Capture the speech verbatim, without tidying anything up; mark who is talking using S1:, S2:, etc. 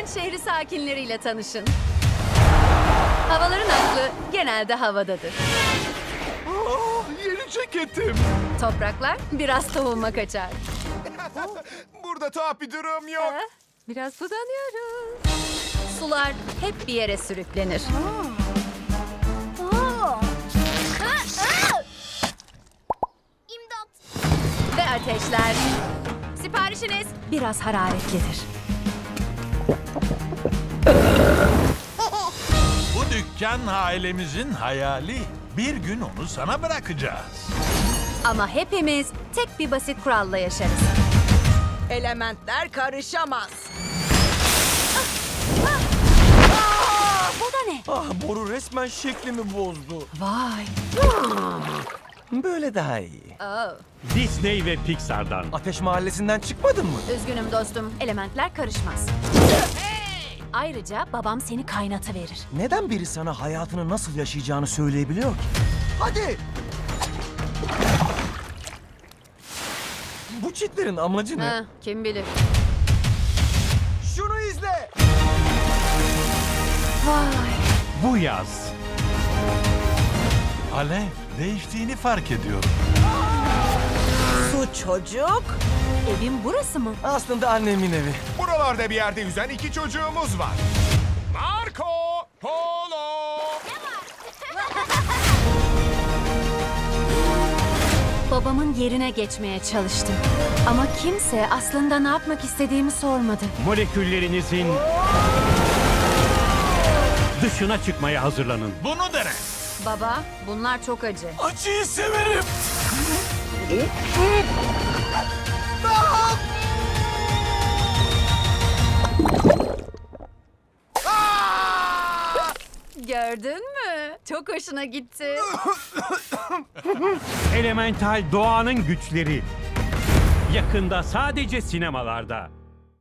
S1: Element şehri sakinleriyle tanışın. Havaların aklı genelde havadadır.
S2: Oh, yeni ceketim.
S1: Topraklar biraz tohuma kaçar.
S2: Burada tuhaf bir durum yok.
S1: Ha, biraz sudanıyoruz. Sular hep bir yere sürüklenir.
S3: İmdat.
S1: Ve ateşler. Siparişiniz biraz hararetlidir.
S4: Bu dükkan ailemizin hayali. Bir gün onu sana bırakacağız.
S1: Ama hepimiz tek bir basit kuralla yaşarız.
S5: Elementler karışamaz.
S1: Bu da ne?
S6: Ah, boru resmen şeklimi bozdu.
S1: Vay.
S6: Böyle daha iyi.
S1: Oh.
S7: Disney ve Pixar'dan.
S6: Ateş Mahallesi'nden çıkmadın mı?
S1: Üzgünüm dostum. Elementler karışmaz. Ayrıca babam seni kaynatıverir.
S6: Neden biri sana hayatını nasıl yaşayacağını söyleyebiliyor ki? Hadi! Bu çitlerin amacı ne?
S1: Ha, kim bilir.
S6: Şunu izle!
S1: Vay.
S7: Bu yaz
S4: Alev, değiştiğini fark ediyorum.
S5: Su çocuk.
S1: Evin burası mı?
S6: Aslında annemin evi.
S2: Buralarda bir yerde yüzen iki çocuğumuz var. Marco Polo.
S1: Babamın yerine geçmeye çalıştım. Ama kimse aslında ne yapmak istediğimi sormadı.
S7: moleküllerinizin dışına çıkmaya hazırlanın.
S4: Bunu dene.
S1: Baba, bunlar çok acı.
S6: Acıyı severim.
S1: Gördün mü? Çok hoşuna gitti.
S7: Elemental doğanın güçleri. Yakında sadece sinemalarda.